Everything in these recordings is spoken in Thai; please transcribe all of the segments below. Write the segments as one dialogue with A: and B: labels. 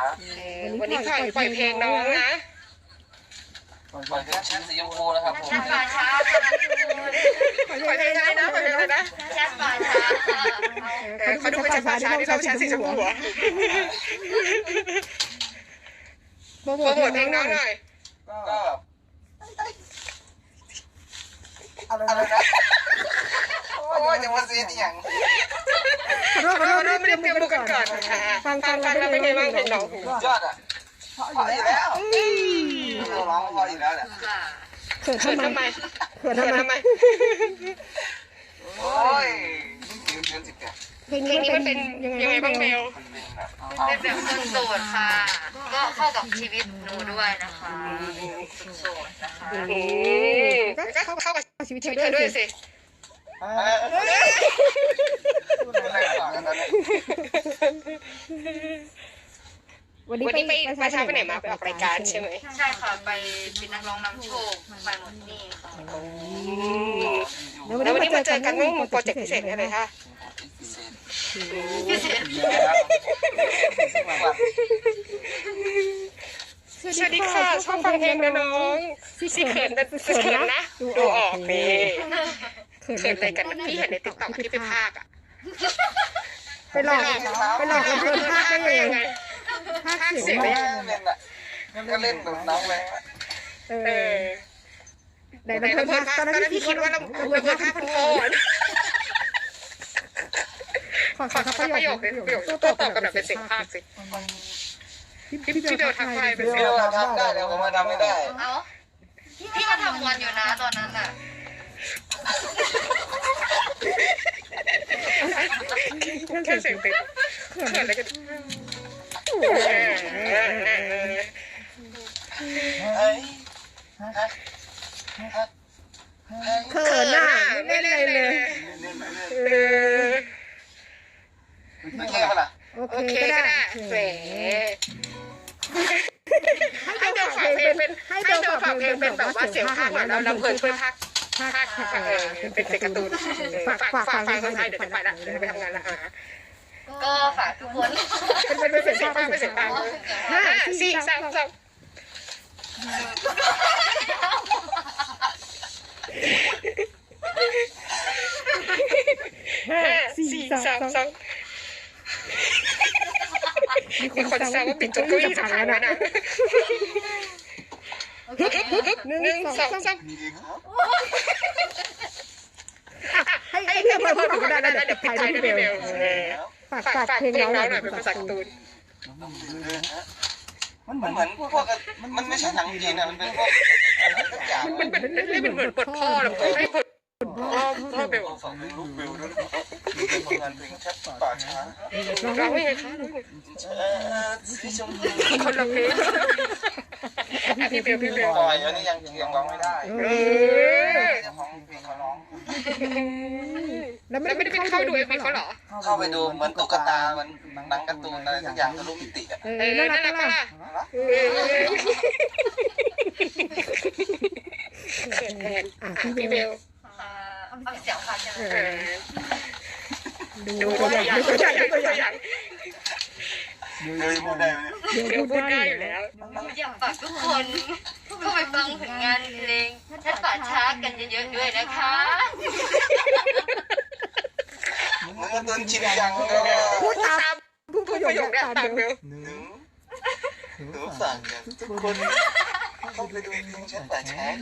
A: วันนี้ปล่อยเพลงน้องนะ
B: ปล่อยเพลงแชทสีชมพูนะครับผม
C: แชทป่าช้า
A: ปล่อยเพลงได้นะปล่อยเพลงได้นะ
C: แชทป่าช้า
A: เขาดูเป็นแชทป่าช้าที่เราแชทสีชมพูหัวโปรโมทเพลงน้องหน่อย
B: ก็อะไรนะโอ้ยจะมาเสียอย่าง
A: ขอโทษไม่ได้เตรียมบุกกันก่อนฟังแล้วเป็นไงบ้างเพลงน้อง
B: ยอดอ่ะพออยู่แล้วเราร้องพออยู่แล้วแหละ
A: เขินทำไม
B: โอ้ย
A: เพลงนี้มันเป็นยังไงบ้างเบล
C: เป็นแบบคนโสดค่ะก็เข้ากับชีวิตหนูด้วยนะคะคนโสดนะคะ
A: ก็เข้ากับชีวิตเธอด้วยสิวันนี้ไปประชาไปไหนมาไปออกรายการใช่ไหม
C: ใช่ค่ะไปเป็นนักร้องนำโชคไปหมดนี่ค่ะ
A: แล้ววันนี้มาเจอกันเรื่องโปรเจกต์พิเศษอะไรคะ
C: พิเศษ
A: สวัสดีค่ะชอบฟังเพลงนะน้องซี่เขินนะดูออกนี่เขินอะไรกันพี่เห็นในติ๊กต็อกที่ไปพากอ่ะไปหลอกเพื่อนพากได้ยังไงพากเสียง
B: ก็เล่นแบบน้องเลย
A: ไหนเราเพื่อนพากตอนนั้นพี่คิดว่าเราเพื่อนพากพันโกนขอประโยคตัวตอบกันแบบเป็นเสียงพากสิพี่เบลทักทายเป็นเสียง
B: ทำได้แล้วผมมาทำไม่ได้
C: เอาพี่ก็ทำวันอยู่นะตอนนั้นน่ะ
A: แค่เสียงติดเขินอะไรกันเขินอ่ะไม่เล่นอะไรเลยโอเคก็ได้แหมให้เบลฝากเพลงเป็นแบบว่าเสียงพากย์หน่อยแล้วเพลินช่วยพากย์เป็นเสียงการ์ตูนฝากคนไทยเดี๋ยวจะไปละเดี๋ยวไปทำงานละ
C: ก็ฝากทุกคน
A: เป็นเสียงพากย์5 4 3 2มีคนแซวว่าปิดจนเก้าอี้จะพังแล้วนะ1 2 3ให้เพื่อนพูดก็ได้เดี๋ยวปิดท้ายด้วยเบลฝากเพลงน้องหน่อยเป็นภาษาการ์ตูน
B: มันเหมือนพวกมันไม่ใช่หนังจีนนะมันเป็นพวกทุกอย่าง
A: มันเป็นเหมือนบทพ่อหรือไม่บทพ่อเบล
B: ฟังเพลงลูกเบลด้วยงานเพลงแชทป่าช้า
A: ร้องยังไงคะคนละเพลงพี่เบล
B: ปล่อยอันนี้ยังร้องไม่ได้ของเพลงเขาร้อง
A: แล้วไม่ได้เข้าดูMVเขาเหรอ
B: เข้าไปดูเหมือนตุ๊กตามันหนังการ์ตูนอะไรสักอย่างทะลุมิติอ่ะ
A: น่ารักป่ะพี่เบล
C: เอาเสียงค่ะ
A: ดูตัวอย่าง
B: พูดได้ไหม
A: พูดได้อยู่แล้ว
C: อยากฝากทุกคนเข้าไปฟังผลงานเพลงแชทป่าช้ากันเยอะๆด้วยนะคะ
B: มันก็ต้นชินจัง
A: พูดประโยคตามเบล
B: หนูสั่งกันทุกคนเข้าไปดูเพลงแชทป่าช้า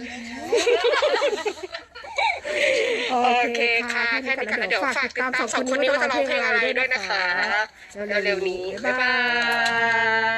A: โอเคค่ะแค่นี้ก่อนเดี๋ยวฝากติดตาม2 คนนี้ว่าจะร้องเพลงอะไรด้วยนะคะเร็วๆนี้บ๊ายบาย